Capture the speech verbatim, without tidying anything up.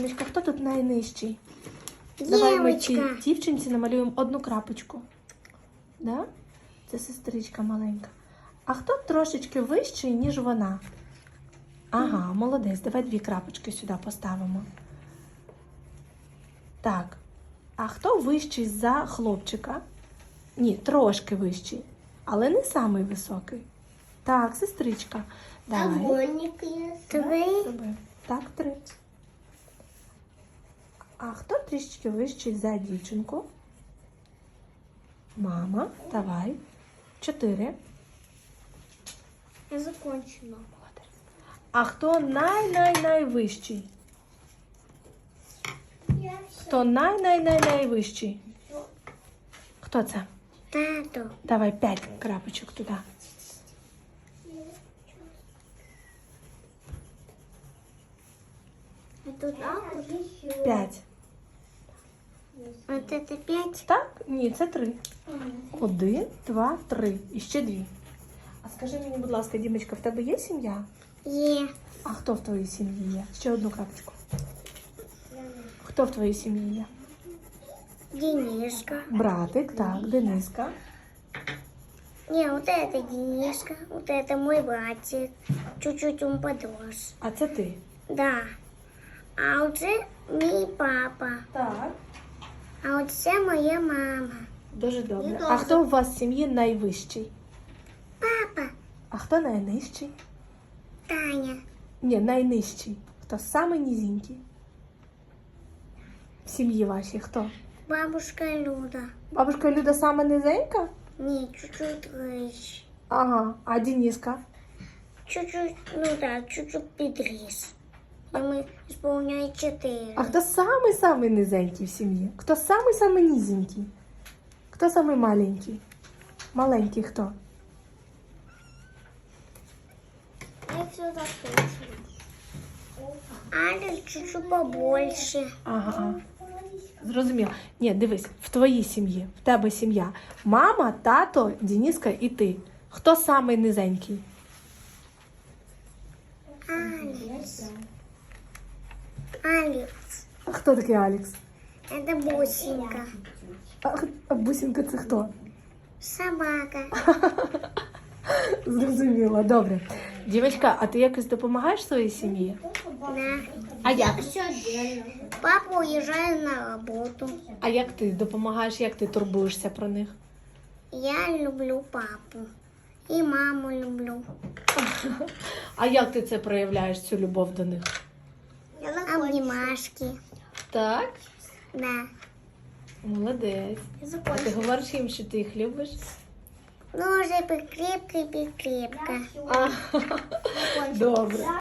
Дімочка, хто тут найнижчий? Давай ми цій Дівочка. дівчинці намалюємо одну крапочку. Да? Це сестричка маленька. А хто трошечки вищий, ніж вона? Ага, молодець. Давай дві крапочки сюди поставимо. Так. А хто вищий за хлопчика? Ні, трошки вищий. Але не самий високий. Так, сестричка. Давай. Огонник є. Три. Роби. Так, три. А хто трішечки вищий за дівчинку? Мама, давай. Чотири. Я закончила. Молодець. А хто най-най-найвищий? Я Хто най-най-най-найвищий? Хто це? Тато. Давай п'ять крапочок туди. А тут тато. П'ять. Вот это пять. Так? Ні, це три. Один, два, три. І ще дві. А скажи мені, будь ласка, Дімочка, в тебе є сім'я? Є. А хто в твоїй сім'ї є? Ще одну крапочку. Хто в твоїй сім'ї є? Денежка. Братик, так, Дениска. Не, вот это Денежка. Вот это мой братик. Чуть-чуть он подрос. А це ти? Да. А вот это мій папа. Так. А вот це моя мама. Дуже добре. Ні, А добре. хто у вас в сім'ї найвищий? Папа. А хто найнижчий? Таня. Ні, найнижчий. Хто самий низенький? В сім'ї вашій хто? Бабушка Люда. Бабушка Люда сама низенька? Не, чуть-чуть выше. Ага. А Дениска? Чуть-чуть, ну да, чуть-чуть подрос. Ему исполняет четыре. А хто самий-самий низенький в сім'ї? Хто самий-самий низенький? Хто самий маленький? Маленький хто? Я все закончила. Алекс чуть-чуть побольше. Ага. ага. Зрозуміло. Ні, дивись, в твоїй сім'ї, в тебе сім'я. Мама, тато, Дениска і ти. Хто самий низенький? Алекс. Алекс. А хто такий Алекс? Это бусинка. А, а бусинка це хто? Собака. Зрозуміло, добре. Дівчатка, а ти якось допомагаєш своїй сім'ї? Да. А як? Папа уезжает на работу. А як ти допомагаєш, як ти турбуєшся про них? Я люблю папу. И маму люблю. А як ти це проявляєш, цю любов до них? Обнимашки. Так? Да. Молодець. А ти говориш їм, що ти їх любиш? Ну, уже покрепко и покрепко. А, добре.